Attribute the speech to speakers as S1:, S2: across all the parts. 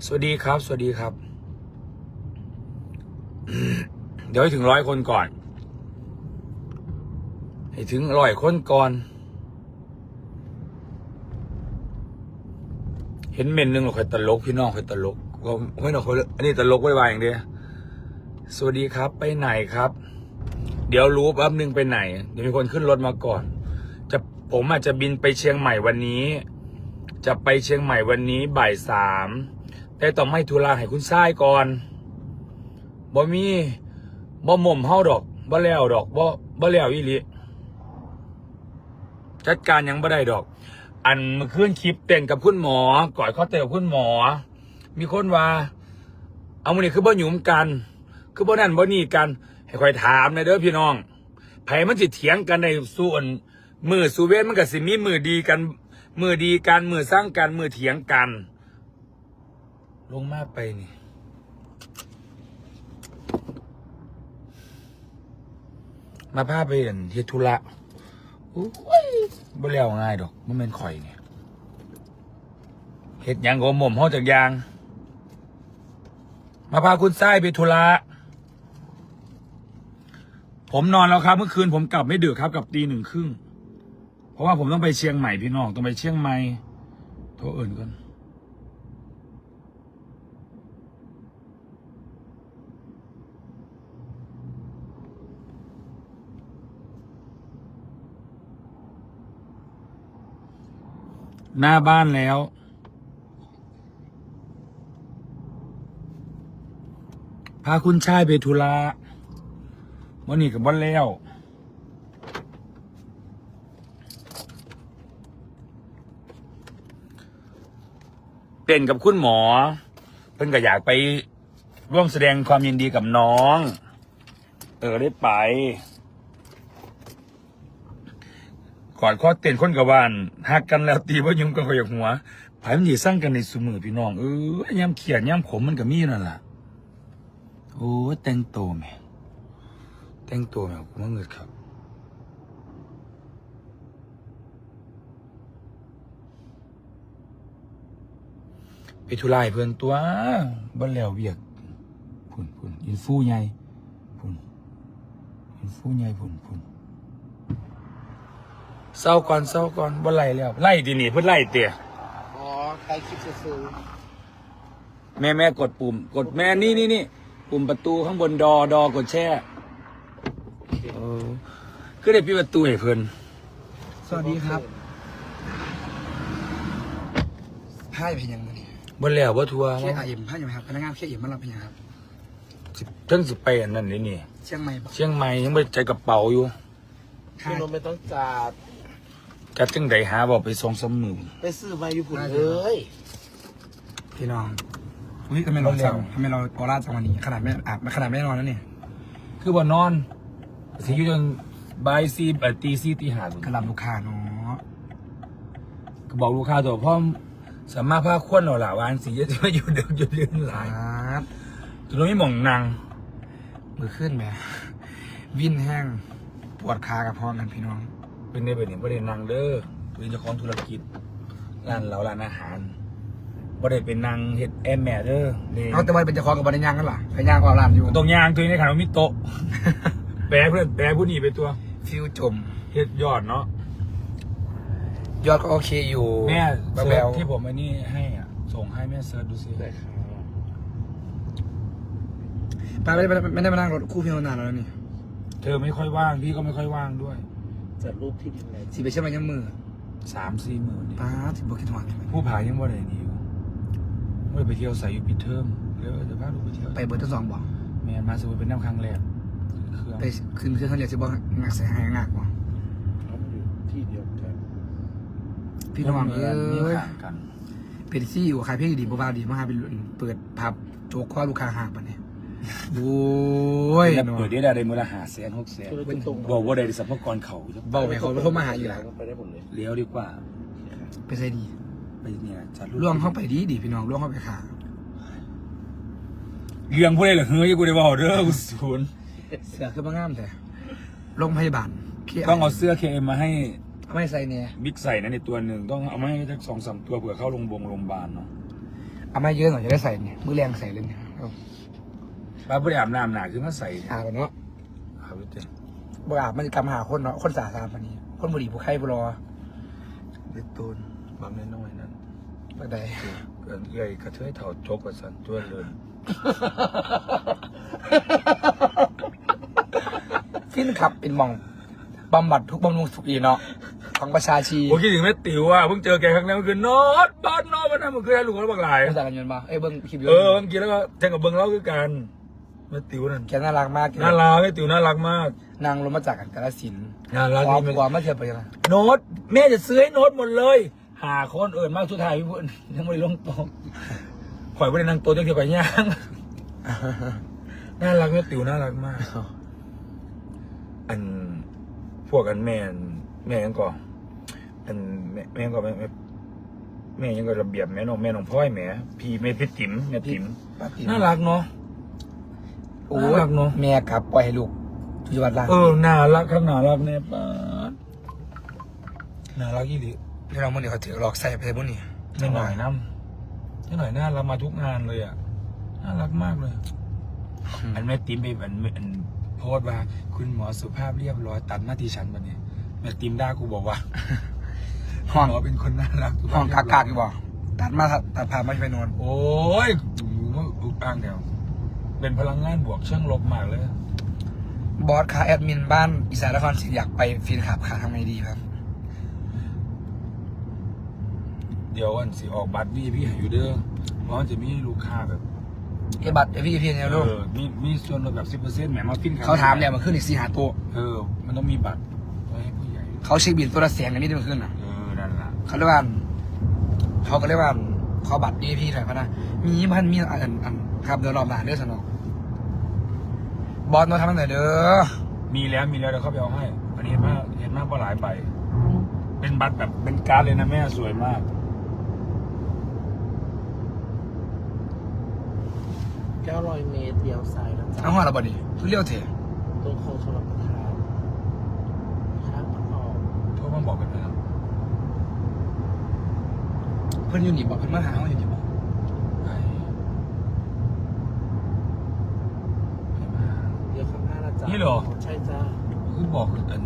S1: สวัสดีครับสวัสดีครับ เดี๋ยวให้ถึง100 คนก่อนให้ถึง100 คนก่อนเห็นเมนหนึ่งเราคอยตลกพี่น้องคอยตลกก็ไม่หนอกคนอันนี้ตลกไว้อย่างเดียวสวัสดีครับไปไหนครับเดี๋ยวรู้แป๊บนึงไปไหนเดี๋ยวมีคนขึ้นรถมาก่อนผมอาจจะบินไปเชียงใหม่วันนี้จะไปเชียงใหม่วันนี้บ่าย 3แต่ต้องไม่ธุระให้คุณชายก่อนบ่มีบ่หม่มเฮาดอกบ่แล้วดอกบ่แล้วอีหลีจัดการยังบ่ได้ดอกอันเมื่อคืนคลิปเต้นกับคุณหมอกอดข้อเต้นกับคุณหมอมีคนว่าเอามื้อนี้คือบ่หยุมกันคือบ่นั่นบ่นี่กันให้ค่อยถามหน่อยเด้อพี่น้องไผมันสิเถียงกันในส่วนมือสู่เว้นมันก็สิมีมือดีกันมือสร้างกันมือเถียงกันลงมาไปนี่มาพาไปเห็นเฮ็ดธุระอุ้ยบ่แล้วง่ายดอกมันเป็นข่อยเนี่ยเฮ็ดหยังก็หม่อมเฮาจากยางมาพาคุณทรายไปธุระผมนอนแล้วครับเมื่อคืนผมกลับไม่ดึกครับกลับ 01:30เพราะว่าผมต้องไปเชียงใหม่พี่น้องต้องไปเชียงใหม่โทรเอิ่นก่อนหน้าบ้านแล้วพาคุณชายไปธุระวันนี้กับบ้านแล้วเต้นกับคุณหมอเพิ่นก็อยากไปร่วมแสดงความยินดีกับน้องได้ไปกอดข้อเต้นคนกับบ้านหักกันแล้วตีว่ายุ่งกันขอยหัวไผมันสิสร้างกันในซุมือพี่น้องย่ำเขียดย่ำขมมันก็มีนั่นล่ะโอ้แต่งตัวแม่กูมาเงิดครับไปทุไลเพื่อนตัวบ้านแล้วเวียกพุ่นอินฟูใหญ่พุ่นเศร้าก่อนบ่ไล่แล้วไล่ทีนี่เพิ่นไล่เตี๋ย
S2: อ๋อใครคิดจะซื้อ
S1: แม่กดปุ่มกดแม่นี่ปุ่มประตูข้างบนดอกดแช่คือได้ปิดประตูให้เพิ่น
S2: สวัสดีครับผ้าจะเป็นยังไงเนี่ย
S1: บ่แล้วบ่ทัว
S2: เคไอเอ็มผ้าอยู่ไหมครับพนักงานเคเอ็มมารับเป็นยังครับ
S1: สิไปอันนั้นนี่
S2: เชียงใหม่ปะ
S1: เชียงใหม่ยังไม่ใจกระเป๋าอยู่
S2: พี่นนท์ไม่ต้อง
S1: จัดจังใดหาบอกไป2-3 มื้อ
S2: ไปซื้อมาอยู่พุ่นเลยพี่น้องอุ้ยทำไมเราออร่าจังวันนี้ขนาดไม่อาบขนาดไม่นอนแล้วเนี่ย
S1: คือบ่นอนสิอยู่จนบ่าย 4 ตี 4 ตี 5
S2: กระลำลูกค้าเนาะ
S1: ก็บอกลูกค้าตัวพ่อสามารถพาควนเอาล่ะวานสิจะมาอยู่เดิมอยู่เรื่องหลายจนไม่มองนาง
S2: มือขึ้นแม่วิ่นแห้งปวดขากับพ่อกันพี่น้อง
S1: เป็นในแบบนี้ประเด็นนางเด้อเป็นเจ้าของธุรกิจร้านอาหารประเด็นเป็นนางเฮ็ดแอมแม่เด้อ
S2: เขาแต่ว่าเป็นเจ้าของกับบริญญางกันหรอไปย่างความร้านอยู่
S1: ตรงยางตัวนี้ในขณะมีโต๊ะแปรผู้นี้ไปตัว
S2: ฟิวจม
S1: เฮ็ดยอดเนาะ
S2: ยอดก็โอเคอยู่
S1: แม่เซิร์ชที่ผมไอ้นี่ให้ส่งให้แม่เซิร์ชดูสิ
S2: ป้าไม่ได้มานั่งรถคู่พี่นานแล้วนี่
S1: เธอไม่ค่อยว่างพี่ก็ไม่ค่อยว่างด้วย
S2: จัดรูปที่ดินไหนสีไปเชื่อมยังมือ
S1: 3-4 มื้อนี่
S2: ป้าสิบกิจวัตร
S1: ผู้ผายังว่าไหนนี่อยู่ไม่ได้ไปเที่ยวใส่อยู่ปิดเทอมเดี๋ยวจะพาลูกไปเที่ยว
S2: ไปเบอร์ที่2บอก
S1: แม่มาสมุยเป็นน้ำครั้งแรก
S2: ไปขึ้นเครื่องเขาเรียกสิบอกงักใส่หายงักบ่
S3: ที่เดียวกัน
S2: พี่น้อง
S1: นี่ห่างกัน
S2: เป็นที่อยู่ขายเพลงดีบ้าดีมากเป็นเปิดผับโจกข้อลูกค้าห่างปะเนี่ยโอ้ย
S1: เปิดได้มูลค่า500,000-600,000บอกว่าได้สัพพกรเขา
S2: บอกไปเขาโทรมาหาอยู่แล้ว
S3: ไปได้หมดเลย
S1: เลี้ยวดีกว่า
S2: ไปใส่ดี
S1: ไปเนี่ยจัด
S2: ล่วงเข้าไปดีพี่น้องล่วงเข้าไปขา
S1: เรื่องพวกนี้เหรอเฮ้ยกูได้บอกเด้อกูศูนย์
S2: เสือคือบ้างามแต่โรงพยาบาล
S1: ต้องเอาเสื้อ KM มาให้
S2: ไม่ใส่เนี่ย
S1: บิ๊กใส่นะในตัวหนึ่งต้องเอามาให้สัก2-3 ตัวเผื่อเข้าโรงพยาบาลเนาะ
S2: เอามาเยอะหน่อยจะได้ใส่เนี่ยมือแรงใส่เลยเนี่ยเอา
S1: บ้าบ่ได้อาบน้ำหนาคือมาใส่
S2: อาบเนาะ
S1: อาบไปเต็ม
S2: บ่อาบมันจะกำหาคนเนาะคนสาสามปานนี้คนบุหรี่ผู้ไข้บุรอ
S1: เด็ดตูนบางน้อยๆนั่น
S2: บักใด
S1: เกินใหญ่กระเทยเถ่าจกกว่าสันจ้วนเลย
S2: ฟินขับเป็นหมองบำบัดทุกบำรุงสุขอีเนาะของประชาชี
S1: ผมคิดถึงแม่ติ๋วอ่ะเพิ่งเจอแกครั้งแรกเมื่อคืนนอนบ้านนอนมันทำเมื่อคืนให้ลูกเขาบักหลาย
S2: ภาษากันยนต์มาเบิ้งคลิป
S1: เออเมื่อกี้แล้วก็แทงกับเบิ้งเล่าคือกันแม่ติ๋วนั่น
S2: แกน่ารักมาก
S1: น่ารักแม่ติ๋วน่ารักมาก
S2: นางลงมาจากกันกาฬสินธุ์
S1: น่ารัก
S2: ความ
S1: นี่
S2: กว่ามาเทียบไปยังไง
S1: โน้ตแม่จะซื้อให้โน้ตหมดเลยหาคนเอิญมากสุดท้ายพี่พุ่นยังไม่ได้ลงโต๊ะข่อยไม่ได้นั่งโต๊ะยังเกี่ยวกับย่าง น่ารักแม่ติ๋วน่ารักมาก อันพวกอันแม่ยังก่ออันแม่ยังก่อแม่ยังก่อระเบียบแม่น้องพ่อยแม่พี่แม่พี่ติ๋มแม่ติ๋ม
S2: ป้าติ๋ม
S1: น่ารักเนาะ
S2: โอ้
S1: น่ารักเนอะ
S2: แม่กลับปล่อยให้ลูกทุกวันละ
S1: น่ารักครับน่ารักเนี่ยป้าดน่ารักยี่หลี
S2: นี่เราเมื่อนี้เขาถือหลอกใส่ไปเลยพวกนี้
S1: ไม่หน่อยน้ำไม่หน่อยน่ารักมาทุกงานเลยอ่ะน่ารักมากเลย อันแม่ติ๋มไปอันโพสต์ว่าคุณหมอสุภาพเรียบร้อยตัดหน้าที่ฉันวันนี้แม่ติ๋มด่ากูบอกว่า
S2: ห้อง
S1: หมอเป็นคนน่ารักสุภ
S2: ห้
S1: พ
S2: อง
S1: เรียบร้
S2: กากๆอยู่บ่ตัดมาตัดพามาไปนอน
S1: โอ้ยอุกอ่างเดียวเป็นพลังงานบวกเชิงลบมากเลย
S2: บอสค่ะแอดมินบ้านอีสานนครศรีอยากไปฟินขับค่ะทำไงดีครับ
S1: เดี๋ยววันสิออกบัตรพี่ให้อยู่เด้อเพราะมันจะมีลูกค้าแบบ
S2: ไอ้บัตรไอ้พี่เนี่ยลูก
S1: มีส่วนลดแบบ 10% แหมมาฟินครับ
S2: เขาถามเนี่ยมันขึ้นอีก4 5ตัว
S1: มันต้องมีบัตรไว้ให้ผู้ใหญ่
S2: เขาเช็คบินตัวละแสนกันนี่มันขึ้นอ่ะ
S1: นั่นล่ะ
S2: เขาเรียกว่าเขาก็เรียกว่าขอบัตรดีพี่หน่อยพะนะมีอันครับเดี๋ยวรอบหน้าเด้อสนองบอสมาทำตั้งแต่เด้อ
S1: มีแล้วเดี๋ยวเขาไปเอาให้อันนี้เห็นมากกว่าหลายใบเป็นบัตรแบบเป็นการ์ดเลยนะแม่สวยมาก
S3: 900 เมตรเลี้ยวซ้ายนะจ๊ะ
S2: เอาหัวเราบ่ดิคือเลี้ยวเถอะ
S3: ตรงโค้งชลประทานข้างออก
S1: โทรมาบอกกันนะครับ
S2: เพิ่นอยู่นี่บอกเพิ่นมาหาเขาอยู่นี่บอก
S3: เลี้ยวข้างหน้านะจ๊ะ
S1: นี่เหรอ
S3: ใช่จ้า
S1: คือบอกอัน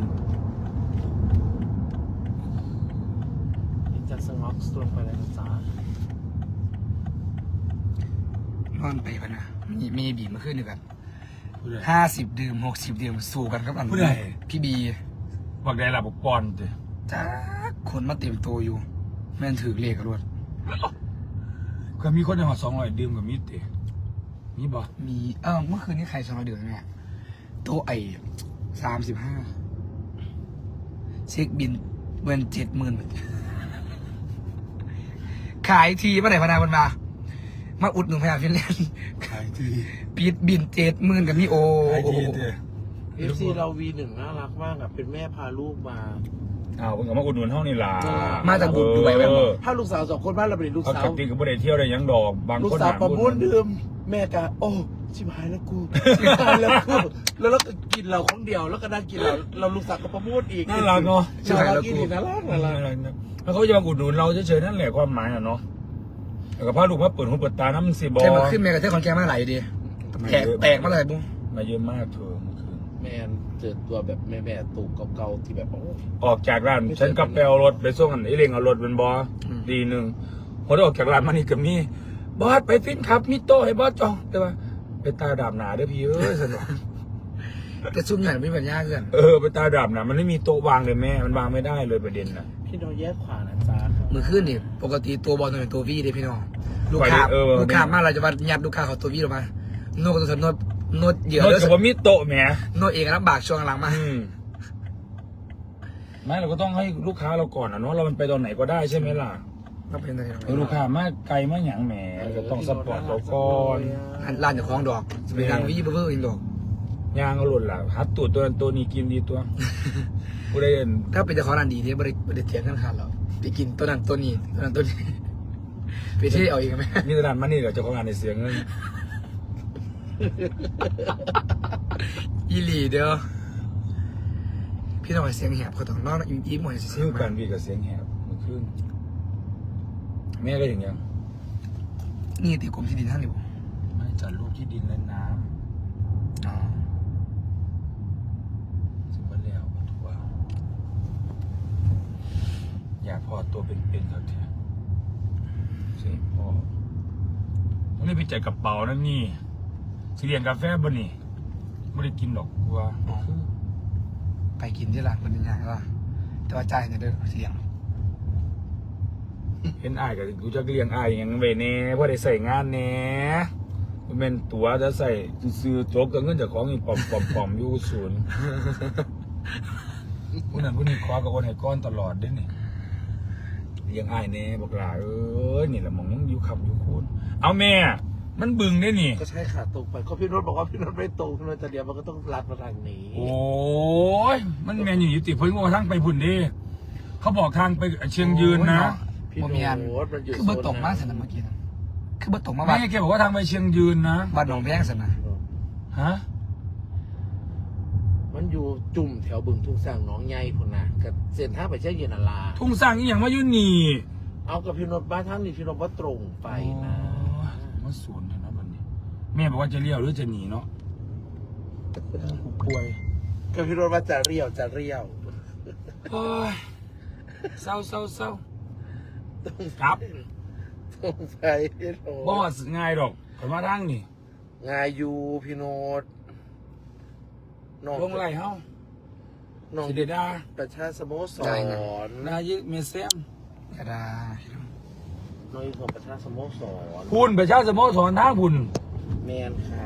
S3: จากสงอกตรงไปเลยนะจ๊ะ
S2: นอนไปพะนะมีบีมาขึ้นด้วยกัน
S1: ผู้ใด
S2: 50 ดื่ม60 ดื่มสู้กันครับอัน
S1: ผู้ใด
S2: พี่บี
S1: บอกได้ละบอกปอนเด้
S2: จ้าคนมาเต็มตัวอยู่ แม่นถือเลขกันรวด
S1: ก็มีคนในหอ200ดื่มกับมีดเด้มีบ่
S2: มีเมื่อคืนนี้ใครชอบเดือนเนี่ยโต๊ะไอ้35เช็คบินเงิน70,000ขายทีเมื่อไหร่พนาคนมาอุดหนุนพยาฟินแลนด์
S1: ขายที
S2: ปิดบิน70,000กับมีโอ
S1: ขายทีเด้
S3: FC เรา V1 น่ารักมากอ่ะเป็นแม่พาลูกมา
S1: เพิ่งก็มาอุดหนุนเฮานี่ล่ะ
S2: มาจากบุรีไว้บ่
S3: ถ้าลูกสาว2 คนบ้านเราเป็นลูก
S1: เขา
S3: สาว
S1: กติก็บ่ได้เที่ยวได้หยังดอกบาง
S3: ลูก
S1: คน
S3: สาวประมูล
S1: ดื่
S3: ดื่มแม่กะโอ้ชิบหายแล้วกูชิบหายแล้วกูแล้วเราก็กินเราของเดียวแล้วก็นั่งกินเราลูกสาวก็ประมูลอีก
S1: น่ารักเนาะ
S3: น่ารักกินอีกน่ารักน่ารัก
S1: แล้วเขาจะมาอุดหนุนเราเฉยๆนั่นแหละความหมายอ่ะเนาะแล้วก็พาลูกมาเปิดหูเปิดตาน้ำสิบอ
S2: แกมาขึ้นเมกะเทอร์คอนแกมาไหลดีแตกมาเลยบุ้ง
S1: มาเยอะมากเธอเมื่อคืน
S3: แมนเจอตัวแบบแม่ตู่เก่าๆที่แบบโอ้
S1: ออกจากร้านฉันกับไปเอารถไปส่งอันไอ้เร่งเอารถเป็นบอดีหนึ่งพอได้ออกจากร้านมานี่ก็มีบอสไปฟินครับมีโต๊ะให้บอสจองแต่ว่าไปตาดาบหนาเด้อพี่เอ้ยสนุก
S2: แต่ซุ่มใหญ่ไม่เป็นยากเกิน
S1: ไปตาดาบหนามันไม่มีโต๊ะวางเลยแม่มันวางไม่ได้เลยประเด็นนะ
S3: พี่น้องแยกขวานะจ๊ะ
S2: มือขึ้นนี่ปกติตัวบอลต้องเป็นตัววีเลยพี่น้องลูกค้าลูกค้ามากเราจะมายัดลูกค้าเขาตัววีออกมาโน้ตก็ต้องโน้ตเยอะ
S1: รถ
S2: แล้ว
S1: กับว่ามีโต๊ะแหม
S2: โน้ตเองลำบากช่วงหลังมา
S1: ไม่เราก็ต้องให้ลูกค้าเราก่อนนะเนาะเรามันไปตอนไหนก็ได้ใช่ไหมล่ะ
S2: ต้องเป็นอะไร
S1: ลูกค้ามาไกลมาหยังแหมก็ต้องสปอร์ตเราก่อน
S2: ร้านจะคล้องดอกจะเป็นร้านวีเบอร์เองดอก
S1: ยางเอาหล่นล่ะฮัดตูดตัวนั้นตัวนี้กินดีตัวผู้ใดเห็น
S2: ถ้าเป็นเจ้าของร้านดีเนี่ยบริเทียงกันขาดเราไปกินตัวนั้นตัวนี้ตัวนั้นตัวนี้ไปเที่ยวเอาเองไหม
S1: นี่ตลาดมันนี่เดี๋ยวเจ้าของงานในเสียเงิน
S2: อีหลีเด้อพี่น้องเสียงแหบเขาต้องนอนยิ้มหมดเสี
S1: ซื้
S2: ย
S1: อง
S2: มา
S1: กันพี่กับเสียงแหบเมื่อคืนแม่ก็อย่างยัง
S2: นี่ติดกรมที่ดินท่านอยู่
S1: ไม่จัดรูปที่ดินและน้
S2: อ๋อ
S1: ำสิบวันแล้วถูกว่าอยากพอตัวเป็นๆครับเถอะเสียพ่อต้องได้ไปจ่ายกระเป๋านั่นนี่สิเรียนกาแฟบ่นี่ไม่ได้กินหรอกกูว่า
S2: ไปกินที่ร้านคนอย่างละแต่ว่าจ่ายเนี่ยเด้อเสียง
S1: เห็นอายกับกูจะเลี้ยงอายอย่างเวเน่เพราะได้ใส่งานเน่มันเป็นตัวจะใส่ซื้อโจ๊กกับเงินจากของอีกปอมอยู่ศูนย์ผู้นั้นผู้นี้คว้ากับคนให้ก้อนตลอดด้วยนี่เลี้ยงอายเน่บอกหลานี่แหละมองยังอยู่คำอยู่คูณเอาแม่มันบึงได้นี่
S3: ก็ใช่ค่ะตรงไปก็พี่โนนท์บอกว่าพี่โนนท์ไม่ตรงพี่โนนท์จะเดียวมันก็ต้องลัดมาทางนี้
S1: โอ้ยมันแมนอยู่ยุติเพิ่งว่าทางไปพุ่นดิเขาบอกทางไปเชียงยืนนะ
S3: พี่
S2: บ่
S3: โน
S2: มีอัน
S3: นท์มันอยู่
S2: คือเบอร์ตกมากสนะเมื่อกี้นะคือเบอร์ตกมา
S1: ไม่
S2: บ้าน
S1: แกบอกว่าทางไปเชียงยืนนะ
S2: บ้านหนองแพงสนะ
S1: ฮะ
S3: มันอยู่จุ่มแถวบึงทุ่งสร้างหน้องใหญ่พุ่นน่ะกับเส้นทางไปเชียงยืนนาลา
S1: ทุ่งสร้างอีหยังมาอยู่นี่
S3: เอากับพี่โนนท์บ้านทางนี้พี่โนนท์ว่าตรงไปนะ
S1: มาศูนย์นะวันนี้แม่บอกว่าจะเลี้ยวหรือจะหนีเนาะกูป่วย
S3: กับพี่โนนท์ว่าจะเรียวจะเรียว
S1: โอ้ยเศร้าครับ
S3: ตรงไปพี่โน
S1: บอ
S3: ท์
S1: สง่ายดอกขอนมาทางนี่
S3: งายอยู่พี่โนท์น้อง
S1: ลงไหลเฮา
S3: น้อง
S1: สิเดดา
S3: ประชาสโมสร
S1: นายิเมเซม
S2: ก็ได้
S3: น้องอยู่ของประชาสโมสร
S1: พุ่นประชาสโมสรทางพุ่น
S3: แมนค่ะ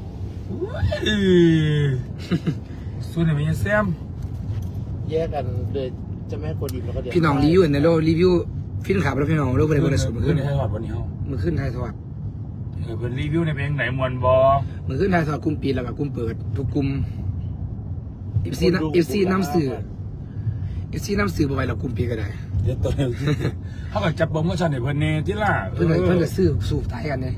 S1: ส่วนไหนเมเซม
S3: แยกกันเลยจะแม่คนดีแล้วก็เดี๋ยว
S2: พี่น้องรีวิวในโลรีวิวฟินขับแล้วพี่น้องรูปอะไรบริสุทธิ์มือ
S1: ขึ้
S2: ขึ้
S1: น
S2: น
S1: ในไทยทอดวันนี้เฮา
S2: มือขึ้นไทยทอด
S1: เพิ่นรีวิวในเพลงไหนมวนบอ
S2: มือขึ้นไทยทอดกลุ่มปีแล้วก็กลุ่มเปิดทุกกลุ่มเอฟซีน้ำสื่อน้ำสื่อบ่ไปแล้วกลุ่มปีก็ได้
S1: เดี๋ยวตัวเดียวเขาก็จับโปรโมชั่นให้เพิ่นเน่ที่ล่ะ
S2: เพื่อนก็ซื้อสูบตายกันเนี่ย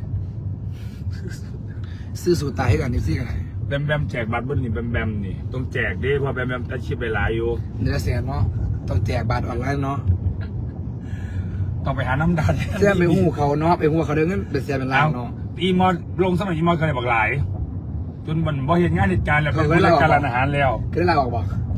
S2: ซื้อสูบตายให้กันเอฟซีกันได้
S1: แบมแจกบัตรเบิ้ลนี่แบมนี่ต้องแจกดิเพราะแบมตัดชิปไปหลายอยู่
S2: เนื้อแสนเนาะต้องแจกบัตรออนไลน์เนาะ
S1: ต้องไปหาน้ำดัน
S2: แซ่บไปหูเขาเนาะไปหูเขาเดินเงินเป็นแสนเป็นล้านเนาะ
S1: อีมอดลงสมัยอีมอดเคยบอกหลาย จนมันบ่เห็นงานเหตุการณ์แล้วเป็นรายการร้านอาหารแล้ว
S2: ก็ได้ลาออกบอก
S1: เ